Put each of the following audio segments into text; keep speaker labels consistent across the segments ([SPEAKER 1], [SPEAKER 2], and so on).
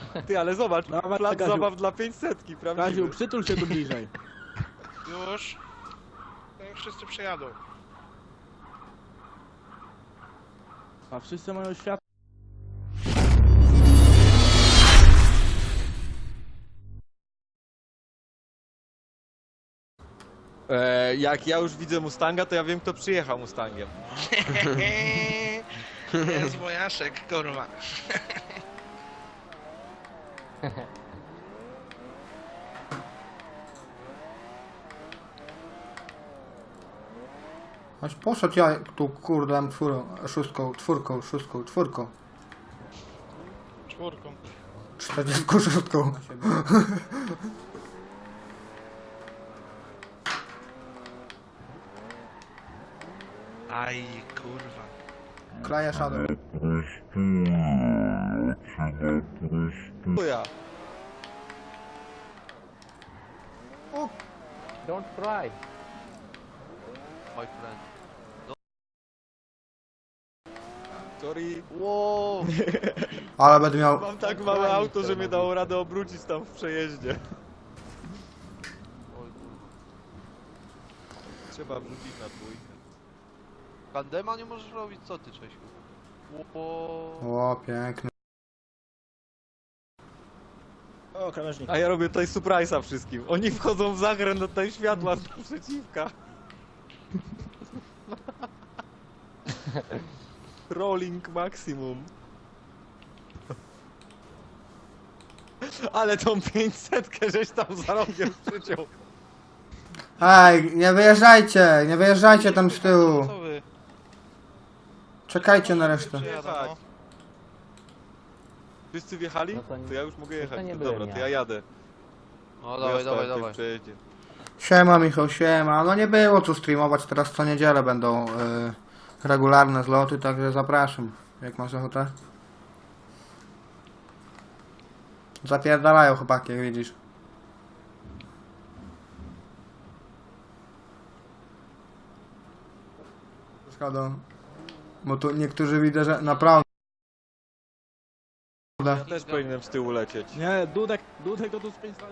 [SPEAKER 1] Ty, ale zobacz,
[SPEAKER 2] Dawaj,
[SPEAKER 1] plac
[SPEAKER 2] Kaziu.
[SPEAKER 1] zabaw dla 500,
[SPEAKER 2] Kaziu,
[SPEAKER 1] prawdziwy.
[SPEAKER 2] przytul się tu bliżej.
[SPEAKER 3] Już. No i wszyscy przejadą.
[SPEAKER 2] A wszyscy mają światło.
[SPEAKER 1] Jak ja już widzę Mustanga, to ja wiem, kto przyjechał Mustangiem.
[SPEAKER 3] Jest wojaszek, kurwa.
[SPEAKER 4] Aż poszedł ja tu kurde czwórką.
[SPEAKER 3] Czwórką.
[SPEAKER 4] 46.
[SPEAKER 3] Aj, kurwa.
[SPEAKER 4] Klaja Shadow.
[SPEAKER 1] To ja.
[SPEAKER 5] Don't cry.
[SPEAKER 6] My friend.
[SPEAKER 1] Sorry.
[SPEAKER 6] Wow!
[SPEAKER 4] Ale będę miał...
[SPEAKER 1] Mam tak małe auto, że mnie dało radę obrócić tam w przejeździe.
[SPEAKER 6] Oj kurwa.
[SPEAKER 1] Trzeba wrzucić na dwójkę.
[SPEAKER 6] Tandema nie możesz robić, co ty, Czesiu? Wow.
[SPEAKER 4] O, piękny.
[SPEAKER 2] O, krawężnik.
[SPEAKER 1] A ja robię tutaj surprise'a wszystkim. Oni wchodzą w zakręt, tutaj światła z naprzeciwka. Rolling maksimum. Ale tą 500 żeś tam za rogiem przyciął.
[SPEAKER 4] Ej, nie wyjeżdżajcie tam z tyłu.
[SPEAKER 3] Co wy?
[SPEAKER 4] Czekajcie na resztę.
[SPEAKER 3] Przejadą, no.
[SPEAKER 1] Wszyscy wjechali?
[SPEAKER 5] No to nie-
[SPEAKER 1] To ja już mogę
[SPEAKER 5] to
[SPEAKER 1] jechać.
[SPEAKER 5] nie
[SPEAKER 1] Dobra,
[SPEAKER 5] byłem
[SPEAKER 1] to
[SPEAKER 5] ja.
[SPEAKER 1] ja jadę.
[SPEAKER 6] No
[SPEAKER 1] Bo ja
[SPEAKER 6] dawaj,
[SPEAKER 1] stałem
[SPEAKER 6] dawaj,
[SPEAKER 1] tutaj w
[SPEAKER 6] dawaj.
[SPEAKER 1] przejeździe.
[SPEAKER 4] Siema Michał, siema. No nie było co streamować, teraz co niedzielę będą regularne zloty, także zapraszam. Jak masz ochotę? Zapierdalają chłopaki, jak widzisz. Szkoda. Bo tu niektórzy widzę, że naprawdę...
[SPEAKER 1] Ja też powinienem z tyłu lecieć.
[SPEAKER 2] Nie, Dudek to tu spięć.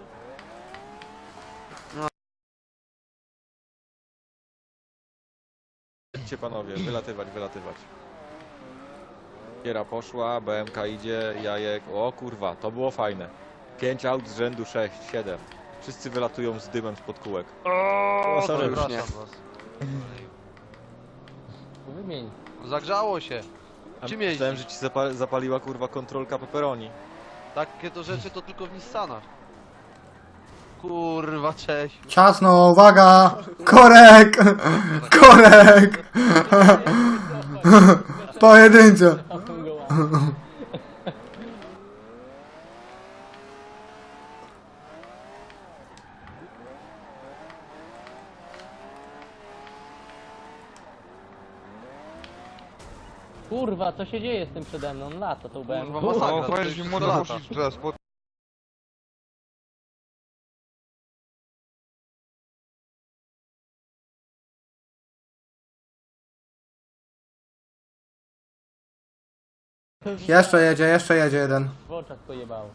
[SPEAKER 1] Idźcie panowie, wylatywać. Kiera poszła, BMK idzie, jajek. O kurwa, to było fajne. 5 aut z rzędu 6, 7. Wszyscy wylatują z dymem spod kółek.
[SPEAKER 3] O,
[SPEAKER 2] sorry, już
[SPEAKER 6] Przepraszam
[SPEAKER 2] nie.
[SPEAKER 6] was.
[SPEAKER 5] Wymień.
[SPEAKER 6] Zagrzało się. Czym jeździsz?
[SPEAKER 1] Myślałem, że ci zapaliła kurwa kontrolka pepperoni.
[SPEAKER 6] Takie to rzeczy to tylko w Nissanach. Kurwa, Czesiu.
[SPEAKER 4] Ciasno, uwaga! Korek! Korek! Pojedyncze!
[SPEAKER 5] Kurwa, co się dzieje z tym przede mną? Lata to byłem.
[SPEAKER 6] Kurwa, masakra. to już wszystko lata.
[SPEAKER 4] Jeszcze jedzie jeden.
[SPEAKER 5] W oczach pojebało.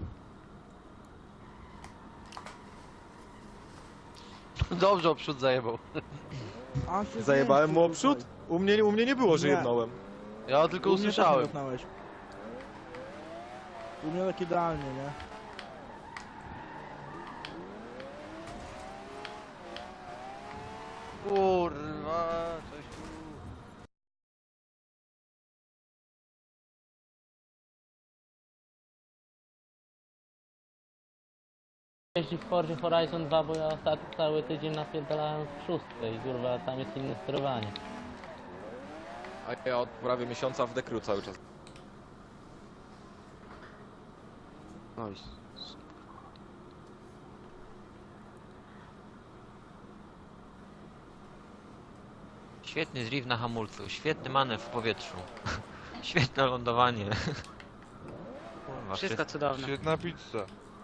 [SPEAKER 6] Dobrze oprzód zajebał.
[SPEAKER 2] A, się
[SPEAKER 1] Zajebałem mu
[SPEAKER 2] zmienił,
[SPEAKER 1] oprzód? U mnie nie było, że
[SPEAKER 2] Nie.
[SPEAKER 1] jednąłem.
[SPEAKER 6] Ja tylko
[SPEAKER 2] U mnie też nie
[SPEAKER 6] usłyszałem.
[SPEAKER 2] dotknąłeś. U mnie tak idealnie, nie?
[SPEAKER 6] Kurwa, Czesiu.
[SPEAKER 5] Jeździ w Fordzie Horizon 2, bo ja ostatni cały tydzień napierdalałem w szóstkę i kurwa tam jest inne sterowanie.
[SPEAKER 1] A ja od prawie miesiąca w dekru cały czas.
[SPEAKER 6] Nice.
[SPEAKER 7] Świetny drift na hamulcu, świetny manewr w powietrzu. Świetne lądowanie. Kurwa,
[SPEAKER 8] Wszystko cudowne.
[SPEAKER 3] Świetna pizza.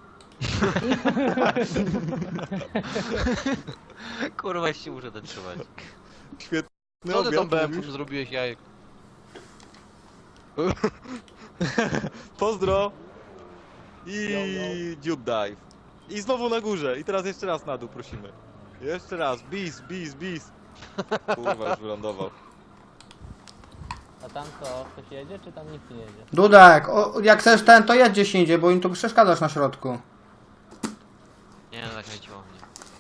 [SPEAKER 7] Kurwa, jeszcze muszę dotrzymać.
[SPEAKER 1] Świetny
[SPEAKER 6] Co ty tą
[SPEAKER 1] obiad,
[SPEAKER 6] BM-ką
[SPEAKER 1] mówisz?
[SPEAKER 6] zrobiłeś, jajek?
[SPEAKER 1] Pozdro! I dziób dive. I znowu na górze. I teraz jeszcze raz na dół prosimy. Jeszcze raz. Bis. Kurwa, już wylądował.
[SPEAKER 5] A tam co? Ktoś jedzie, czy tam nikt nie jedzie?
[SPEAKER 4] Dudek, jak chcesz ten, to jedź gdzieś indziej, bo im tu przeszkadzasz na środku.
[SPEAKER 7] Nie no, zakręciło mnie.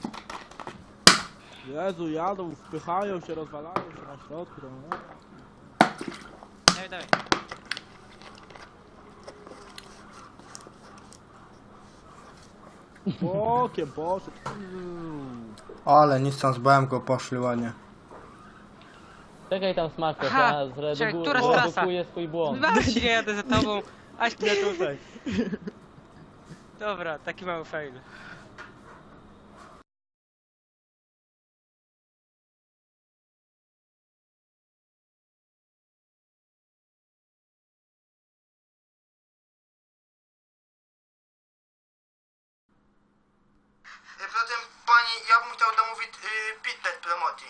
[SPEAKER 2] Jezu, jadą, wpychają się, rozwalają się na środku. No.
[SPEAKER 7] Dawaj.
[SPEAKER 2] Bokiem poszedł.
[SPEAKER 4] Ale nic tam z BM-ką poszli ładnie.
[SPEAKER 5] Czekaj tam Smaker,
[SPEAKER 8] Aha,
[SPEAKER 5] ja
[SPEAKER 8] czekaj, która jest trasa?
[SPEAKER 5] zredukuję swój błąd.
[SPEAKER 8] Właśnie jadę za tobą, aż nie tutaj. Dobra, taki mały fail.
[SPEAKER 4] Poza tym, pani, ja bym chciał domówić pitnet promocji.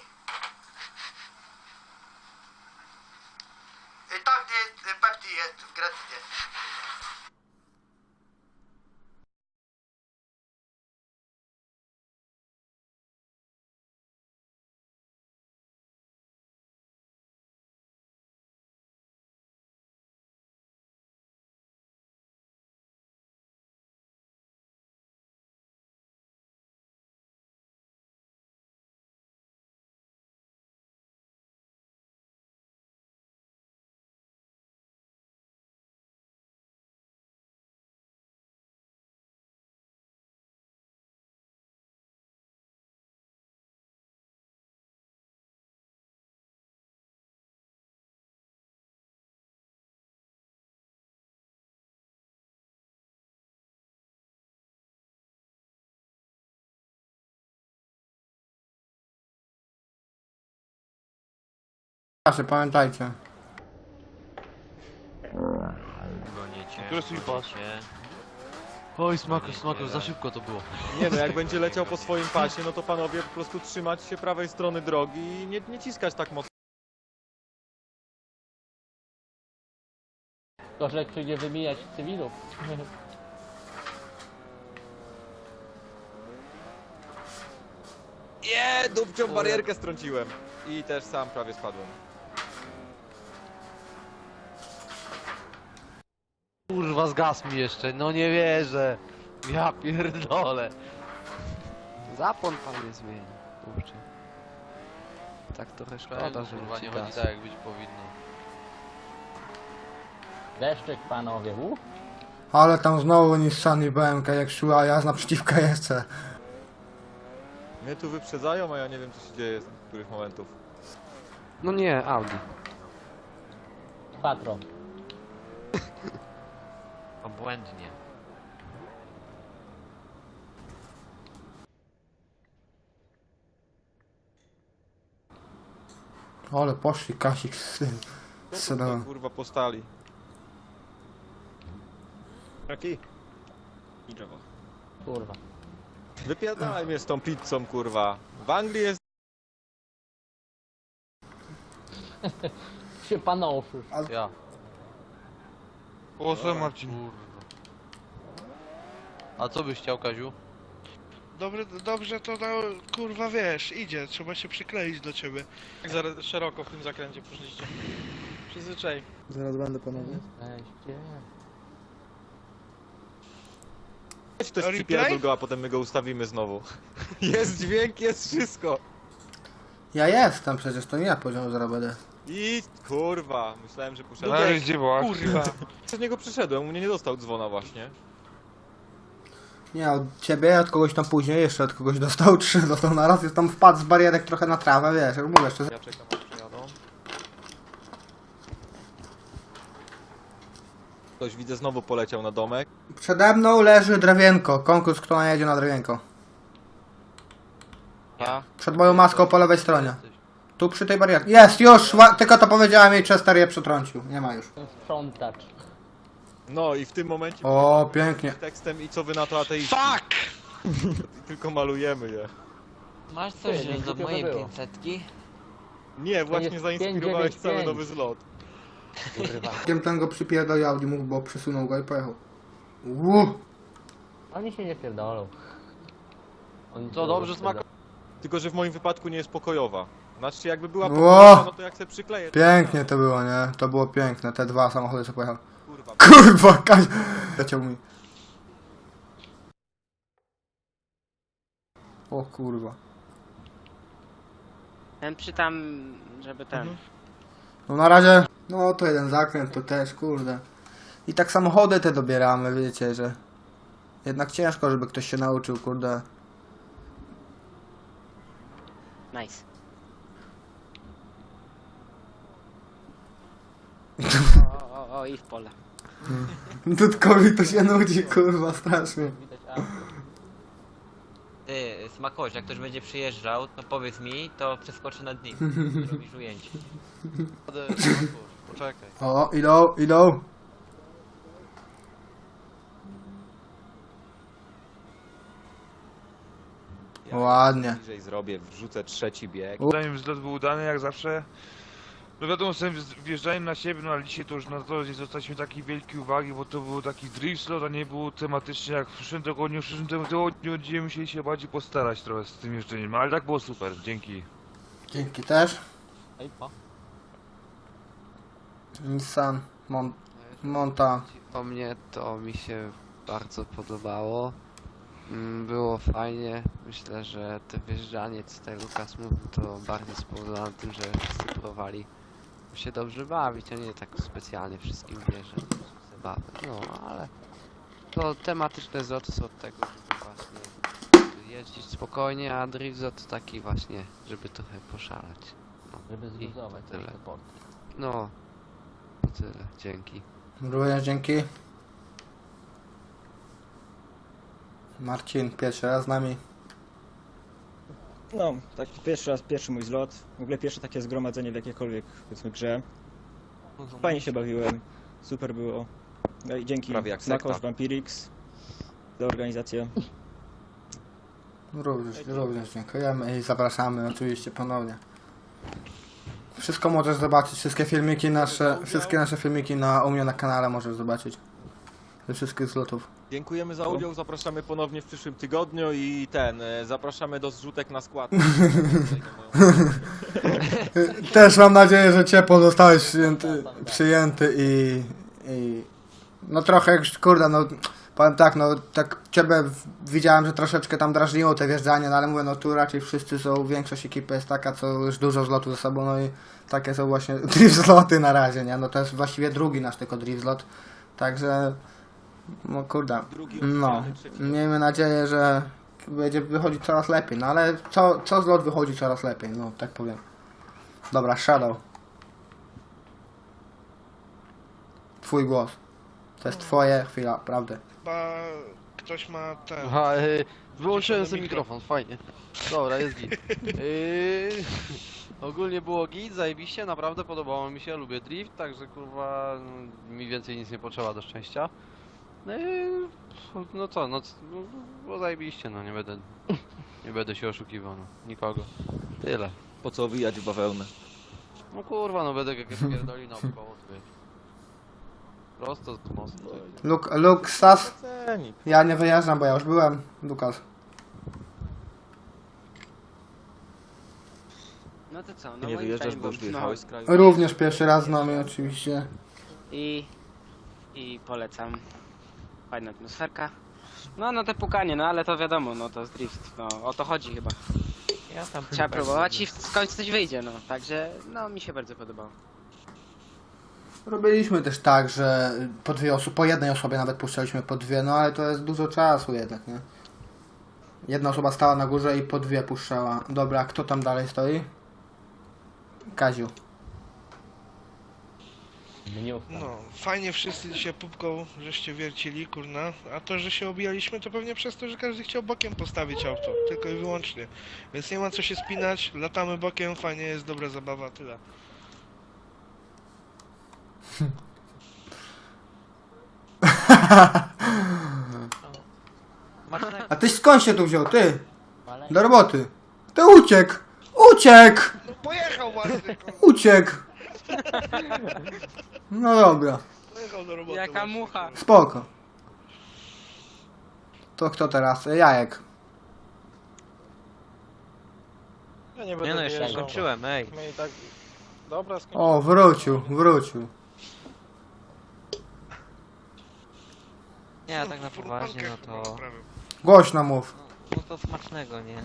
[SPEAKER 4] Tak, gdzie Pepsi jest w Grecji. Proszę, pamiętajcie.
[SPEAKER 7] Goniecie,
[SPEAKER 6] Który swój
[SPEAKER 7] goniecie.
[SPEAKER 6] Oj, smaku, za szybko to było.
[SPEAKER 1] Nie no, jak będzie leciał po swoim pasie, no to panowie po prostu trzymać się prawej strony drogi i nie ciskać tak mocno.
[SPEAKER 5] Koszek przyjdzie wymijać cywilów.
[SPEAKER 1] Dupcią barierkę strąciłem. I też sam prawie spadłem.
[SPEAKER 6] Kurwa, zgasł mi jeszcze, no nie wierzę. Ja pierdolę. Zapłon pan nie zmieni, kurczę. Tak trochę szkoda, że
[SPEAKER 7] kurwa,
[SPEAKER 6] ci
[SPEAKER 7] nie
[SPEAKER 6] gasł.
[SPEAKER 7] chodzi tak jak być powinno.
[SPEAKER 5] Deszczyk panowie,
[SPEAKER 4] Ale tam znowu Nissan i BMK jak szła, ja naprzeciwka jeszcze.
[SPEAKER 1] Mnie tu wyprzedzają, a ja nie wiem co się dzieje z których momentów.
[SPEAKER 6] No nie, Audi.
[SPEAKER 5] Patron.
[SPEAKER 7] Obłędnie.
[SPEAKER 4] Ale poszli Kasik z tym.
[SPEAKER 1] Co tutaj, kurwa postali.
[SPEAKER 2] Jaki? I drzewo.
[SPEAKER 5] Kurwa.
[SPEAKER 1] Wypierdalaj mnie z tą pizzą, kurwa. W Anglii jest...
[SPEAKER 5] Się panoszysz.
[SPEAKER 6] Ja.
[SPEAKER 3] O, co Marcin?
[SPEAKER 6] Kurwa. A co byś chciał, Kaziu?
[SPEAKER 3] Dobrze to kurwa wiesz, idzie, trzeba się przykleić do ciebie. Jak za szeroko w tym zakręcie poszliście. Przyzwyczaj.
[SPEAKER 2] Zaraz będę panowie.
[SPEAKER 5] Weźcie.
[SPEAKER 1] Weź też
[SPEAKER 3] Replay?
[SPEAKER 1] przypierdol go, a potem my go ustawimy znowu. Jest dźwięk, jest wszystko.
[SPEAKER 4] Ja jestem przecież, to nie ja poziom zrobię.
[SPEAKER 1] I kurwa, myślałem, że poszedł.
[SPEAKER 3] Kurwa.
[SPEAKER 1] Przez niego przyszedłem, u mnie nie dostał dzwona właśnie.
[SPEAKER 4] Nie, od ciebie, od kogoś tam później, jeszcze od kogoś dostał 3, dostał na raz, jest tam wpadł z barierek trochę na trawę, wiesz, jak mówię, jeszcze...
[SPEAKER 1] Ja czekam, aż przyjadą. Ktoś widzę znowu poleciał na domek.
[SPEAKER 4] Przede mną leży drewienko, konkurs kto najedzie na drewienko.
[SPEAKER 6] Ja.
[SPEAKER 4] Przed moją maską po lewej stronie. Tu przy tej barierce. Jest, już! Tylko to powiedziałem i Chester je przetrącił, nie ma już.
[SPEAKER 5] Sprzątacz.
[SPEAKER 1] No i w tym momencie
[SPEAKER 4] O, pięknie.
[SPEAKER 1] tekstem i co wy na to ateiści.
[SPEAKER 3] Fuck!
[SPEAKER 1] Tylko malujemy je.
[SPEAKER 7] Masz coś
[SPEAKER 5] Ty,
[SPEAKER 7] do
[SPEAKER 5] to
[SPEAKER 7] mojej
[SPEAKER 5] było.
[SPEAKER 7] 500-ki?
[SPEAKER 1] Nie, właśnie
[SPEAKER 5] jest
[SPEAKER 1] zainspirowałeś
[SPEAKER 5] 595.
[SPEAKER 1] cały nowy zlot.
[SPEAKER 5] Kurwa.
[SPEAKER 4] Wiem, ten go przypierdolił Audi mógł, bo przesunął go i pojechał.
[SPEAKER 5] Oni się nie pierdolą. Oni
[SPEAKER 6] To dobrze smakowało.
[SPEAKER 1] Tylko, że w moim wypadku nie jest pokojowa. Znaczy, jakby była
[SPEAKER 4] Ło!
[SPEAKER 1] pokojowa, no to jak se przykleję... to-
[SPEAKER 4] Pięknie to było, nie? To było piękne, te dwa samochody co pojechał.
[SPEAKER 1] Kurwa.
[SPEAKER 4] Kurwa, Kaś... Leciał mi. O kurwa.
[SPEAKER 8] Ten przytam, żeby ten.
[SPEAKER 4] No na razie, no to jeden zakręt, to też, kurde. I tak samochody te dobieramy, wiecie, że... Jednak ciężko, żeby ktoś się nauczył, kurde.
[SPEAKER 8] Nice. O, i w pole.
[SPEAKER 4] Dudkowi to się nudzi, kurwa, strasznie.
[SPEAKER 5] Widać auto.
[SPEAKER 7] Ty, Smakoś, jak ktoś będzie przyjeżdżał, to powiedz mi, to przeskoczę nad nim. Robisz ujęcie.
[SPEAKER 6] Poczekaj.
[SPEAKER 4] O, idą.
[SPEAKER 1] Ja
[SPEAKER 4] Ładnie.
[SPEAKER 1] bliżej zrobię, wrzucę trzeci bieg.
[SPEAKER 9] Zanim zlot był udany jak zawsze. No wiadomo, sobie wjeżdżałem na siebie, no ale dzisiaj to już na to nie zwracaliśmy takiej wielkiej uwagi, bo to był taki drift slot, a nie było tematycznie jak w przyszłym tygodniu będziemy musieli się bardziej postarać trochę z tym jeżdżeniem, ale tak było super, dzięki.
[SPEAKER 4] Dzięki też.
[SPEAKER 5] Ej, po.
[SPEAKER 4] Nissan Monta.
[SPEAKER 6] O mnie to mi się bardzo podobało. Było fajnie. Myślę, że to wjeżdżanie, co tutaj Lukas mówił, to bardziej spowodowane tym, że wszyscy próbowali się dobrze bawić, a nie tak specjalnie wszystkim bierze zabawę. No, ale to tematyczne zloty są od tego, żeby właśnie jeździć spokojnie, a drift to taki właśnie, żeby trochę poszalać. No,
[SPEAKER 5] Żeby
[SPEAKER 6] i
[SPEAKER 5] zluzować
[SPEAKER 6] tyle.
[SPEAKER 5] te porty.
[SPEAKER 6] No, to tyle. Dzięki.
[SPEAKER 4] Również dzięki. Marcin, pierwszy raz z nami.
[SPEAKER 10] No, tak pierwszy mój zlot. W ogóle pierwsze takie zgromadzenie w jakiejkolwiek, powiedzmy, grze. Fajnie się bawiłem, super było. No i dzięki
[SPEAKER 1] Prawie jak
[SPEAKER 10] Smakosz,
[SPEAKER 1] sekta.
[SPEAKER 10] Vampirix za organizację.
[SPEAKER 4] Również dziękujemy i zapraszamy oczywiście ponownie. Wszystko możesz zobaczyć, wszystkie filmiki nasze, wszystkie nasze filmiki u mnie na kanale możesz zobaczyć. Ze wszystkich zlotów.
[SPEAKER 1] Dziękujemy za udział, zapraszamy ponownie w przyszłym tygodniu i zapraszamy do zrzutek na skład.
[SPEAKER 4] Też mam nadzieję, że ciepło zostałeś przyjęty i no trochę kurde, no powiem tak, no tak ciebie widziałem, że troszeczkę tam drażniło te wjeżdżanie, no ale mówię, no tu raczej wszyscy są, większość ekipy jest taka, co już dużo zlotów ze sobą, no i takie są właśnie drift zloty na razie, nie, no to jest właściwie drugi nasz tylko drift zlot, także no kurde, no miejmy nadzieję, że będzie wychodzić coraz lepiej, no ale co zlot wychodzi coraz lepiej, no tak powiem. Dobra, Shadow. Twój głos. To jest twoje chwila, prawda?
[SPEAKER 3] Chyba ktoś ma ten.
[SPEAKER 6] Aha, wyłączyłem
[SPEAKER 3] Wyciszony
[SPEAKER 6] sobie mikrofon, fajnie. Dobra, jest git. Ogólnie było git, zajebiście, naprawdę podobało mi się, lubię drift, także kurwa mi więcej nic nie potrzeba do szczęścia. No co, było zajebiście, no nie będę się oszukiwał, no, nikogo. Tyle.
[SPEAKER 1] Po co wijać w bawełnę?
[SPEAKER 6] No kurwa, no będę jakieś pierdoli naokoło, to wiesz. Prosto z mostu.
[SPEAKER 4] Luksas.
[SPEAKER 1] Ceni.
[SPEAKER 4] Ja nie wyjeżdżam, bo ja już byłem. Lukas.
[SPEAKER 8] No to co, no
[SPEAKER 1] Ty nie
[SPEAKER 8] moim
[SPEAKER 1] wyjeżdżasz,
[SPEAKER 8] zdaniem
[SPEAKER 1] bo już
[SPEAKER 8] było-
[SPEAKER 1] wyjechałeś z kraju?
[SPEAKER 4] Również pierwszy raz z nami oczywiście.
[SPEAKER 8] I polecam. Fajna atmosferka. No te pukanie, no ale to wiadomo, no to jest drift. No o to chodzi chyba.
[SPEAKER 7] Ja tam
[SPEAKER 8] Trzeba próbować i w końcu coś wyjdzie, no. Także, no mi się bardzo podobało.
[SPEAKER 4] Robiliśmy też tak, że po jednej osobie nawet puszczaliśmy po dwie, no ale to jest dużo czasu jednak, nie? Jedna osoba stała na górze i po dwie puszczała. Dobra, kto tam dalej stoi? Kaziu.
[SPEAKER 5] Mniucha.
[SPEAKER 3] No, fajnie wszyscy się pupką żeście wiercili, kurna. A to, że się obijaliśmy, to pewnie przez to, że każdy chciał bokiem postawić auto. Tylko i wyłącznie. Więc nie ma co się spinać, latamy bokiem, fajnie jest, dobra zabawa, tyle.
[SPEAKER 4] A ty skąd się tu wziął, ty?
[SPEAKER 5] Ale
[SPEAKER 4] Do roboty. Ty uciekł! Uciekł!
[SPEAKER 3] No pojechał właśnie, kurwa,
[SPEAKER 4] Uciekł! No dobra,
[SPEAKER 3] pojechał do roboty.
[SPEAKER 8] Jaka
[SPEAKER 3] właśnie,
[SPEAKER 8] mucha.
[SPEAKER 3] kurwa.
[SPEAKER 4] spoko. To kto teraz? Jajek.
[SPEAKER 2] Ja nie
[SPEAKER 7] Nie
[SPEAKER 2] będę
[SPEAKER 7] no, jeszcze nie
[SPEAKER 2] wyjeżdżał.
[SPEAKER 7] skończyłem, ej.
[SPEAKER 2] My i tak... Dobra, skończyłem.
[SPEAKER 4] O, wrócił.
[SPEAKER 7] Nie, tak na poważnie, no to...
[SPEAKER 4] Głośno mów.
[SPEAKER 7] No to smacznego, nie?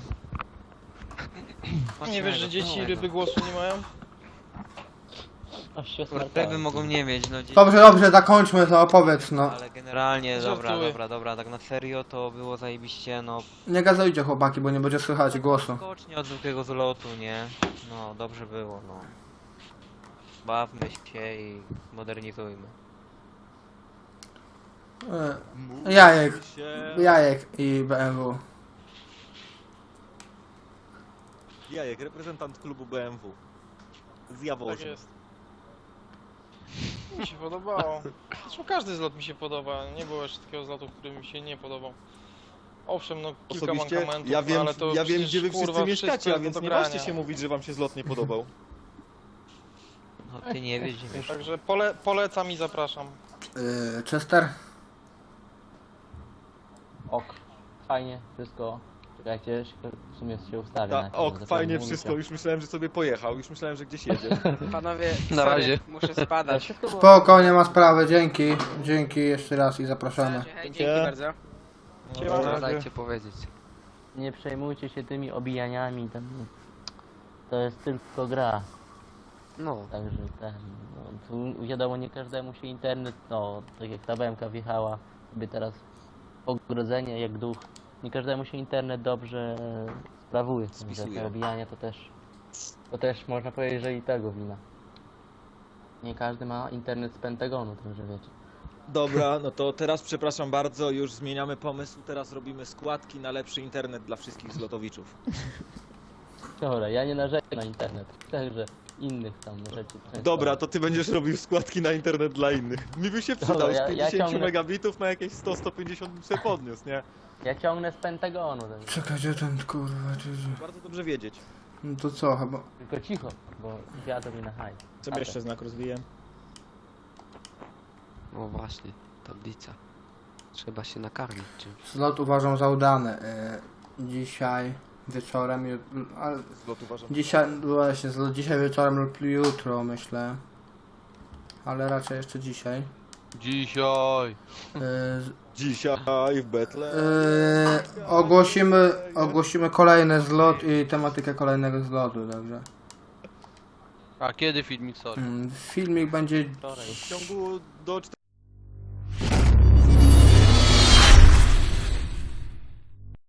[SPEAKER 2] Nie wiesz, że dzieci
[SPEAKER 7] smacznego.
[SPEAKER 2] ryby głosu nie mają?
[SPEAKER 5] Aż się
[SPEAKER 7] Ryby
[SPEAKER 5] smarkałem.
[SPEAKER 7] mogą nie mieć, no dzieci...
[SPEAKER 4] Dobrze, zakończmy to, opowiedz, no.
[SPEAKER 7] Ale generalnie,
[SPEAKER 2] Żartuję.
[SPEAKER 7] dobra, tak na serio to było zajebiście, no...
[SPEAKER 4] Nie gazujcie chłopaki, bo nie będzie słychać głosu.
[SPEAKER 7] Skocznie od zwykłego zlotu, nie? No, dobrze było, no. Bawmy się i modernizujmy.
[SPEAKER 4] Jajek i BMW.
[SPEAKER 1] Jajek, reprezentant klubu BMW. Z
[SPEAKER 2] Tak
[SPEAKER 1] Jaworzna.
[SPEAKER 2] jest. Mi się podobało. Zresztą każdy zlot mi się podoba. Nie było jeszcze takiego zlotu, który mi się nie podobał. Owszem, no kilka
[SPEAKER 1] Osobiście
[SPEAKER 2] mankamentów,
[SPEAKER 1] ja wiem,
[SPEAKER 2] no, ale to
[SPEAKER 1] ja wiem
[SPEAKER 2] przecież,
[SPEAKER 1] gdzie wy wszyscy
[SPEAKER 2] kurwa,
[SPEAKER 1] mieszkacie,
[SPEAKER 2] wszystko
[SPEAKER 1] a więc
[SPEAKER 2] do
[SPEAKER 1] nie
[SPEAKER 2] grania.
[SPEAKER 1] ważcie się mówić, że wam się zlot nie podobał.
[SPEAKER 7] No ty nie wiesz, gdzie wiesz.
[SPEAKER 2] Także polecam i zapraszam.
[SPEAKER 4] Chester?
[SPEAKER 5] Ok. Fajnie, wszystko. Czekajcie, w sumie się ustawię.
[SPEAKER 1] Ta,
[SPEAKER 5] najpierw,
[SPEAKER 1] o,
[SPEAKER 5] zatem
[SPEAKER 1] fajnie
[SPEAKER 5] mówicie.
[SPEAKER 1] wszystko, już myślałem, że sobie pojechał, już myślałem, że gdzieś jedzie.
[SPEAKER 8] Panowie,
[SPEAKER 6] Na
[SPEAKER 8] sorry,
[SPEAKER 6] razie.
[SPEAKER 8] muszę
[SPEAKER 5] Ale
[SPEAKER 8] spadać.
[SPEAKER 5] wszystko było...
[SPEAKER 4] Spoko, nie ma sprawy, dzięki. Dzięki jeszcze raz i zapraszamy.
[SPEAKER 8] Hej, dzięki bardzo.
[SPEAKER 6] No, dajcie powiedzieć.
[SPEAKER 5] Nie przejmujcie się tymi obijaniami, to jest tylko gra.
[SPEAKER 6] No,
[SPEAKER 5] Także no, tu wiadomo, nie każdemu się internet, no tak jak ta BMK wjechała, sobie teraz ogrodzenie jak duch, nie każdemu się internet dobrze sprawuje, także
[SPEAKER 1] Spisuje.
[SPEAKER 5] te obijania to też można powiedzieć, że i tego wina. Nie każdy ma internet z Pentagonu, także wiecie.
[SPEAKER 1] Dobra, no to teraz przepraszam bardzo, już zmieniamy pomysł, teraz robimy składki na lepszy internet dla wszystkich zlotowiczów.
[SPEAKER 5] Dobra, ja nie narzekam na internet, także innych tam rzeczy. często-
[SPEAKER 1] Dobra, to ty będziesz robił składki na internet dla innych. Mi by się przydał,
[SPEAKER 5] Dobra,
[SPEAKER 1] z
[SPEAKER 5] ja
[SPEAKER 1] 50
[SPEAKER 5] ciągnę-
[SPEAKER 1] megabitów na jakieś 100-150 bym sobie podniósł, nie?
[SPEAKER 5] Ja ciągnę z Pentagonu, także
[SPEAKER 4] Czekaj, gdzie ten kurwa,
[SPEAKER 1] Bardzo dobrze wiedzieć.
[SPEAKER 4] No to co, chyba...
[SPEAKER 5] tylko cicho, bo wiadomo mi na haj.
[SPEAKER 10] Sobie jeszcze znak rozwiję.
[SPEAKER 6] no właśnie, tablica. Trzeba się nakarmić czymś.
[SPEAKER 4] Zlot uważam za udany. Dzisiaj wieczorem, ale
[SPEAKER 1] Zlot uważam.
[SPEAKER 4] dzisiaj, właśnie, zlot dzisiaj wieczorem lub jutro myślę. Ale raczej jeszcze dzisiaj.
[SPEAKER 6] Dzisiaj!
[SPEAKER 1] Dzisiaj w Betle.
[SPEAKER 4] Ogłosimy kolejny zlot i tematykę kolejnego zlotu, także.
[SPEAKER 6] A kiedy filmik, sorry?
[SPEAKER 4] Filmik będzie
[SPEAKER 5] Wczoraj.
[SPEAKER 1] W ciągu do